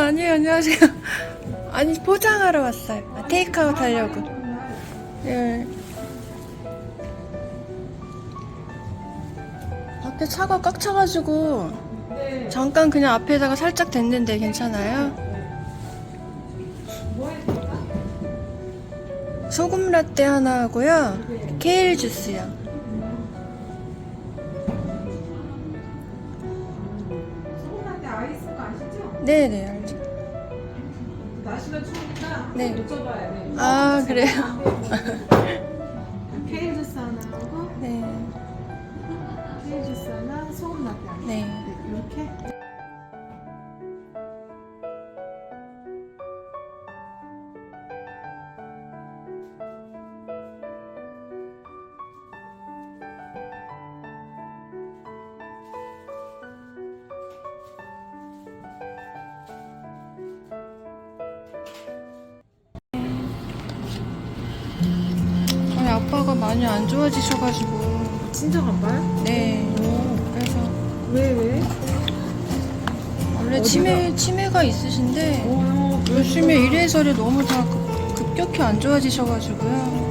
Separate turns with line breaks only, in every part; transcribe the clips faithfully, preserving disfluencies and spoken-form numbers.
아니에요, 안녕하세요. 아니, 포장하러 왔어요. 아, 테이크아웃 하려고. 예. 밖에 차가 꽉 차가지고 잠깐 그냥 앞에다가 살짝 댔는데 괜찮아요? 소금 라떼 하나 하고요. 케일 주스요.
소금 라떼 아이스 거 아시죠?
네네, 알죠.
날씨가 추우니까
네.
여쭤봐야 돼.
아, 그래요?
케일 주스 하나 하고
네.
케일 주스 하나, 소금 라떼 하나.
네.
이렇게.
저희 아빠가 많이 안 좋아지셔가지고.
친정 아빠요?
네. 그래서
왜 왜?
원래 치매, 치매가 있으신데
어,
요즘에 이래저래 너무 다 급, 급격히 안 좋아지셔가지고요.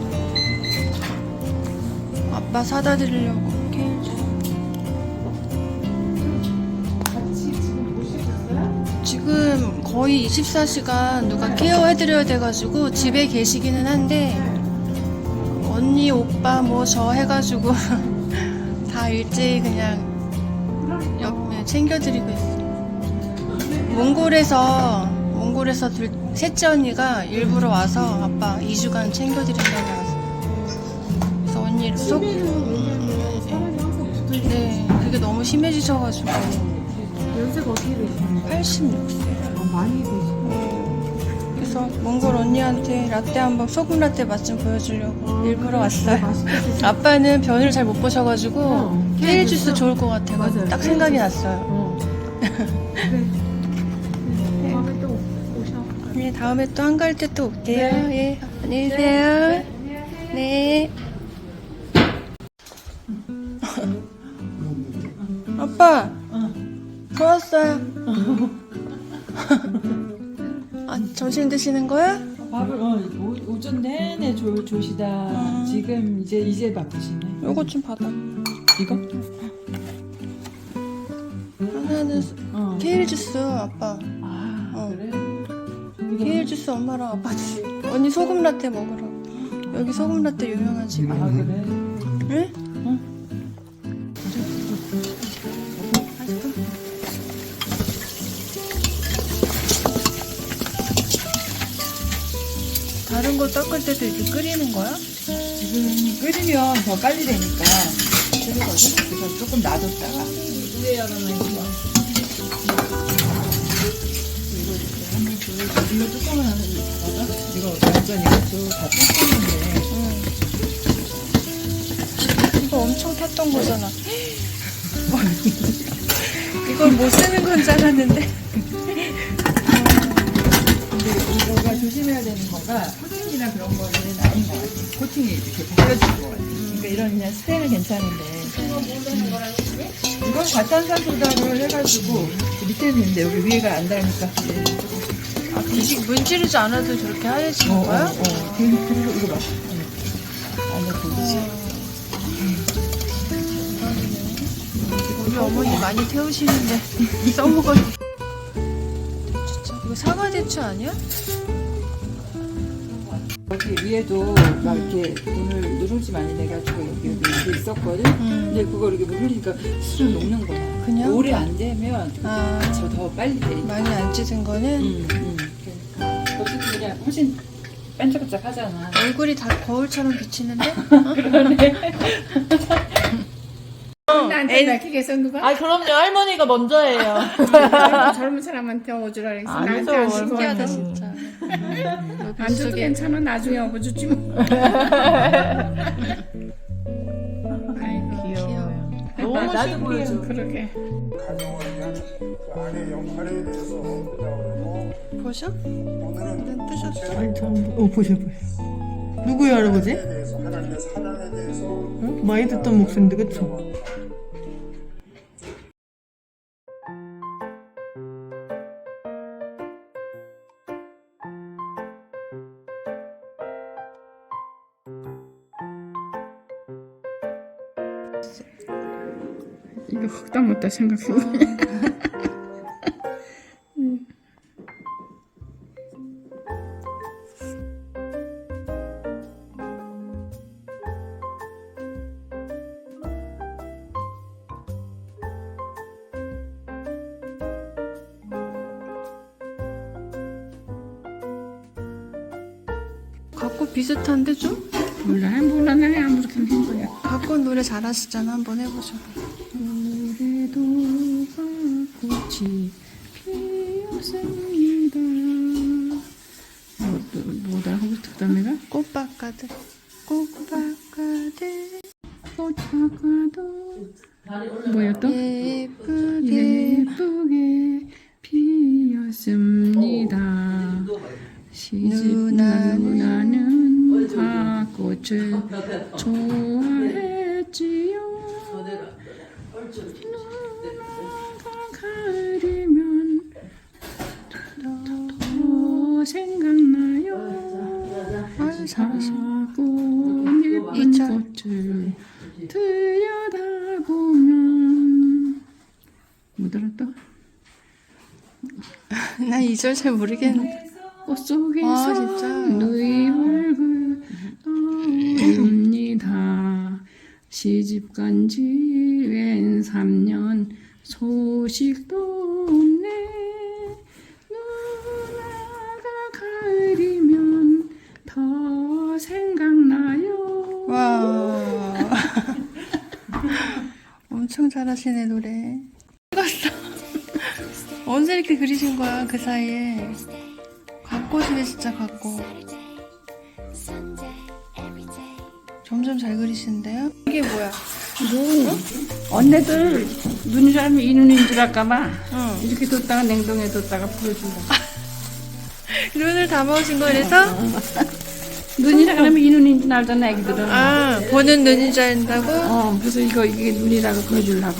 아빠 사다 드리려고 케일 주스.
같이 지금 모시셨어요?
지금 거의 이십사 시간 누가 케어해드려야 돼가지고 집에 계시기는 한데 언니, 오빠 뭐 저 해가지고 다 일제히 그냥 옆, 네, 챙겨드리고 있어요. 몽골에서 몽골에서 둘, 셋째 언니가 일부러 와서 아빠 이 주간 챙겨드린다고 해서 그래서 언니 속
치매는 왜냐면 사람이 항상 붙어있는
네, 그게 너무 심해지셔가지고
연세가 어떻게 되시나요?
팔십육 세.
어, 많이 되시고.
그래서 몽골 언니한테 라떼 한번 소금 라떼 맛 좀 보여주려고 일부러 왔어요.
맛있게 드시고.
아빠는 변을 잘 못 보셔가지고
어,
케일
케일
주스
주스?
좋을 것 같아요.
맞아요.
딱
케일
생각이
주스.
났어요.
어. 그래. 네. 다음에 또 오셔.
네, 다음에 또 한가할 때 또 올게요.
네.
예, 안녕히 계세요. 네. 아빠, 더 왔어요. 아, 점심 드시는 거야?
밥을 어, 오, 오전 내내 조, 조시다
음.
지금 이제 이제 밥 드시네.
요거 좀 받아.
이거?
하나는
어.
케일 주스, 아빠.
아
어.
그래?
케일 주스 엄마랑 아빠 주시. 언니 소금 라떼 먹으러. 여기 소금 라떼 유명한 집.
아 그래?
응?
응.
다른 거 닦을 때도 이렇게 끓이는 거야?
지금 끓이면 더 빨리 되니까 끓이거든. 그래서 조금 놔뒀다가 위에 하나만 이거 이거 이렇게 한번 줘. 이거 뚜껑을 하나 잡아봐. 이거 완전 이것도 다 뜯었는데.
응. 이거 엄청 탔던 거잖아. 이걸 못 쓰는 건 줄 알았는데.
근데 이거가 조심해야 되는 거가 코팅이나 그런 거는 아닌 것 같아. 코팅이 이렇게 벗겨진 것 같아. 그러니까 이런 그냥 스테는 괜찮은데. 이건 과탄산소다를 해가지고 밑에는 있는데 여기 위에가 안 닿으니까.
아, 그 문지르지 않아도 저렇게 하얘지는
어,
거야?
어, 어. 그리고 그리고 이거 봐. 안에 보이지?
우리 어머니 많이 태우시는데 써먹어요. 진짜 이거 사과 대추 아니야?
여기 위에도 막 이렇게 오늘 누룽지 많이 내가지고 여기 여기 이게 있었거든.
음.
근데 그걸 이렇게 물 흘리니까 술을 녹는 거야.
그냥?
오래 안 되면
아,
저 더 빨리 돼.
많이 안 찢은 거는
응, 응. 그러니까 어쨌든 그냥 훨씬 반짝반짝하잖아.
얼굴이 다 거울처럼 비치는데?
나한테 밝히겠어 누가?
아 그럼요 할머니가 먼저예요.
젊은 사람한테 어주라 그랬어.
아니죠,
나한테 안
신기하다
신기하다.
진짜.
안 줘도 괜찮아. 나중에 업어주지 뭐. 아이고
귀여워.
너무
나도
신기해요.
보여줘.
그러게.
가정을 위한 그 아내 역할에 대해서 보자고
보셔?
오늘은
뜨셨어.
아니
어, 보셔, 보셔. 누구의 할아버지?
대해서 하나님의 사랑에 대해서
응? 많이 듣던 목소리인데, 그쵸?
생각했어.
이거 흑당 못다 생각해.
갖고 비슷한데 좀?
몰라, 몰라, 나 아무렇게나 한 거야.
갖고 노래 잘하시잖아. 한번 해보죠.
올해도 꽃이 피었습니다. 뭐, 뭐다 하고 싶다 내가?
꽃밭가득 꽃밭가득
꽃다가도 뭐야 또?
예쁘게
예쁘게 피었습니다. 시집
누나는
누나는 화꽃을 좋아했지요. 누나가 가을이면 더 생각나요.
아유 잘하시네.
작고 예쁜
이절.
꽃을 들여다보면 못 알았다.
나 이 절 잘 모르겠는데.
꽃 속에서
아, 진짜?
너의 얼굴 떠오릅니다. 시집 간지 웬 삼 년 소식도 없네. 누나가 가을이면 더 생각나요.
와. 엄청 잘하시네 노래. 찍었어. 언제 이렇게 그리신 거야 그 사이에. 갓꽃이네 진짜 갓꽃. 점점 잘 그리시는데요? 이게 뭐야?
뭐 언니들 눈이 잘면 이 눈인 줄 알까봐
응.
이렇게 뒀다가 냉동에 뒀다가 보여준다.
눈을 담아오신 거 그래서?
눈이라 그러면 이 눈인 줄 알잖아 애기들은.
아 보는 눈인 줄 안다고?
어 그래서 이거 이게 눈이라고 보여주려고.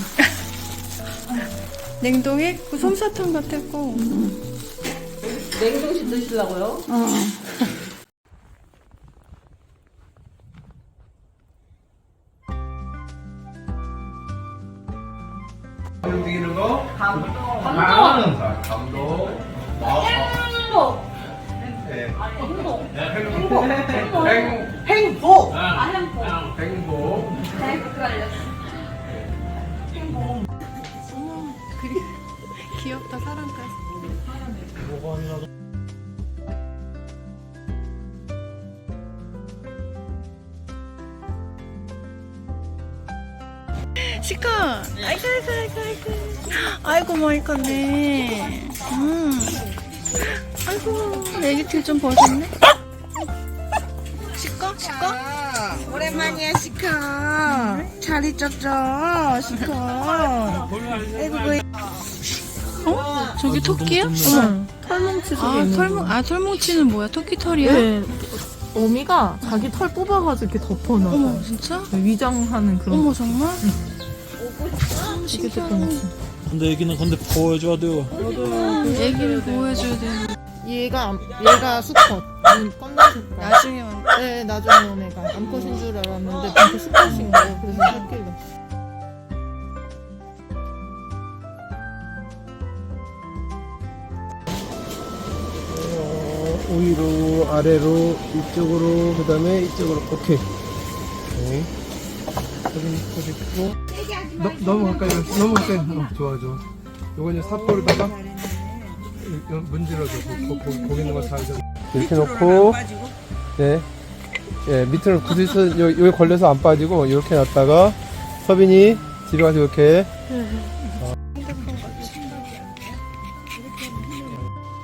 냉동에? 그 솜사탕 같았고.
냉동실 드시려고요?
어.
움직이는 거?
감동.
감동. 감동.
행복.
네.
행복.
행복. 행복.
행복. 아 행복.
행복.
잘 헷갈렸어.
어머 그리 귀엽다 사람까지. 시커 아이고 아이고 아이고 아이고 아이고 많이 컸네. 음. 아이고 애기 티 좀 벗었네. 시커 시커 오랜만이야 시커. 잘 있었죠 시커. 아이고 뭐. 어? 저기 토끼야? 응.
털뭉치 속에
아
있는
털뭉
거.
아 털뭉치는 뭐야? 토끼 털이야?
네. 어미가 자기 털 뽑아가지고 이렇게 덮어놔.
어머 진짜?
위장하는 그런.
어머 정말?
이게 됐던 거.
근데 애기는 근데 보여줘야 돼요.
애기를 보호해줘야 돼.
얘가 얘가 수컷. 음, 껌나 수컷.
나중에 온.
네, 나중에 온 애가 암컷인 줄 알았는데 진짜 수컷인 거예요. 그래서 새끼를.
어, 위로 아래로 이쪽으로 그 다음에 이쪽으로 오케이. 오케이. 사진 찍고 너, 너무 가까이 너무 가까이 어, 좋아 좋아. 요거 이제 사포로다가 문질러줘. 고, 고, 고, 고기 있는 거 잘 좀. 이렇게 놓고 네, 예 밑으로 굳이서 요 여기 걸려서 안 빠지고 이렇게 놨다가 서빈이 뒤로 가서 이렇게.